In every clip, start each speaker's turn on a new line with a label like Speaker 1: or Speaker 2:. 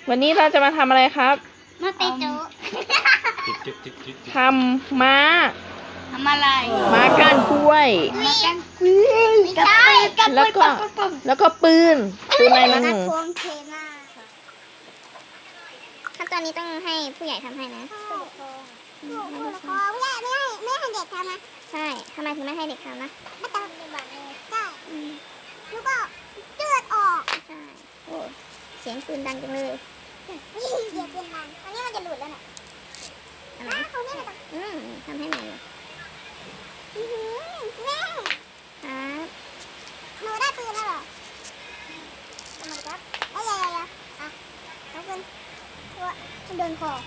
Speaker 1: วันนี้เราจะมาทำอะไรครับ
Speaker 2: มาตีโจ๊ก
Speaker 1: ทำม้า
Speaker 2: ทำอะไร
Speaker 1: ม้าก้านกล้วย
Speaker 2: มากันไม่ใช่
Speaker 1: แล้วก็ปืนอะไรนะหนู
Speaker 2: พวงเทน่าค่ะขั้นตอนนี้ต้องให้ผู้ใหญ่ทำให้นะผู้ปกครองผู้ใหญ่ไม่ให้เด็กทำนะใช่ทำไมถึงไม่ให้เด็กทำนะไม่ต้องปฏิบัติเลยใช่แล้วก็เลือดออกใช่โอ้เสียงปืนดังจังเลยเสียงปืนดังอันนี้มันจะหลุดแล้วเนี่ยอะไรทำให้ใหม่เลยแม่ครับหนูได้ปืนแล้วเหรอทำไมครับไอ้ยายอ่ะแล้วปืนตัวโดนคอ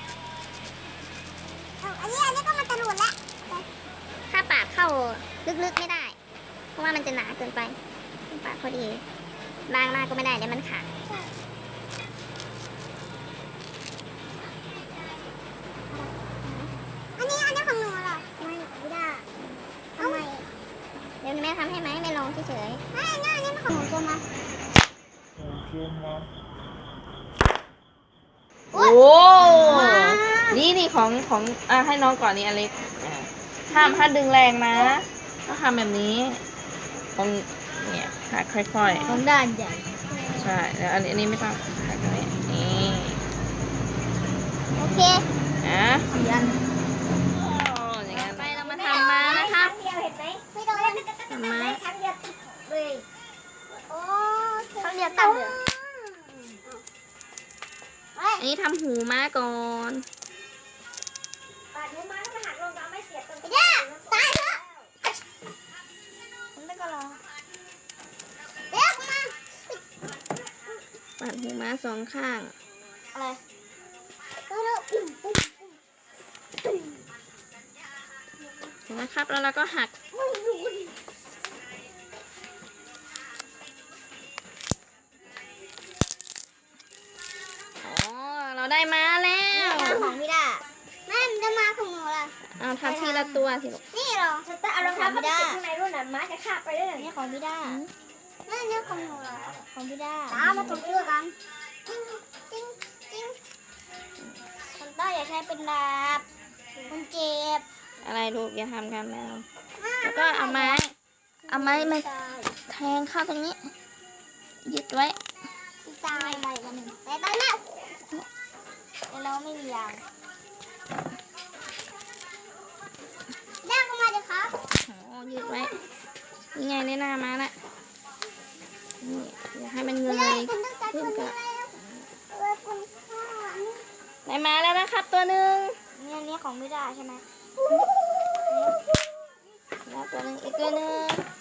Speaker 2: อันนี้ก็มันจะหลุดแล้วถ้าปากเข้าลึกๆไม่ได้เพราะว่ามันจะหนาเกินไปปากพอดีบางมากก็ไม่ได้เดี๋ยวมันขาดอันนี้ของหนูเหรอไม่ได้ทำไมเดี๋ยวแม่ทำให้ไหมไม่ลองเฉยๆไม่อันนี้มันของหนูใช่ไหม
Speaker 1: โอ้นี่ของให้น้องก่อนนี่อเล็กห้ามดึงแรงนะต้องทำแบบนี้ตรงเนี่ยหักค่อยๆ
Speaker 2: ของด้านใหญ่
Speaker 1: ใช่แล้วอันนี้ไม่ต้องหักตรงนี้นี่
Speaker 2: โอเค
Speaker 1: นะ
Speaker 2: 4 อัน
Speaker 1: อย่างนั้นไปเรามาทำม้านะครับ
Speaker 2: เดียวเห็นไหมไม่โดน
Speaker 1: ทำม้า
Speaker 2: ครั้งเดียวเลยโอ้ครั้งเดียวตัดเลย
Speaker 1: อันนี้ทำหูม้าก่อน
Speaker 2: ปาดหูม้าถ้ามันหักลงจะไม่เสียบตรงนี้ตายเถอะผมไม่ก็รอเดี๋ยวมา
Speaker 1: ปัดหูม้าสองข้าง
Speaker 2: อะไรก็เร็ว
Speaker 1: เห็นไหมครับแล้วเราก็หักเราได้ม้าแล้ว
Speaker 2: ของพี่ดาแม่มันจะมาของหนูล่ะ
Speaker 1: เอาทำทีละตัวสิลูก
Speaker 2: นี่เหรอจะเอารองเท้าเข้าไปติดข้างในรุ่นน่ะม้าจะคาบไปได้เลยนี่ของพี่ดานี่ของหนูเหรอของพี่ดาตามมาถูกชื่อกันจริงคนต้าอย่าใช้เป็นดาบมันเจ็บ
Speaker 1: อะไรลูกอย่าทำกันแมวแล้วก็เอาไม้มาแทงเข้าตรงนี้ยึดไว้
Speaker 2: ตายไปวันหนึ่งแต่ตายแล้วแต่เราไม่มียางย่างเข้ามาเลยครับ
Speaker 1: โอ้ยึดไว้ยังไงในหน้าม้าละนี่อย่าให้มันเงยขึ้นกับได้ม้าแล้วนะครับตัวหนึ่ง
Speaker 2: นี่ของไม่ได้ใช่ไหม
Speaker 1: แล้วตัวหนึ่งอีกตัวหนึ่ง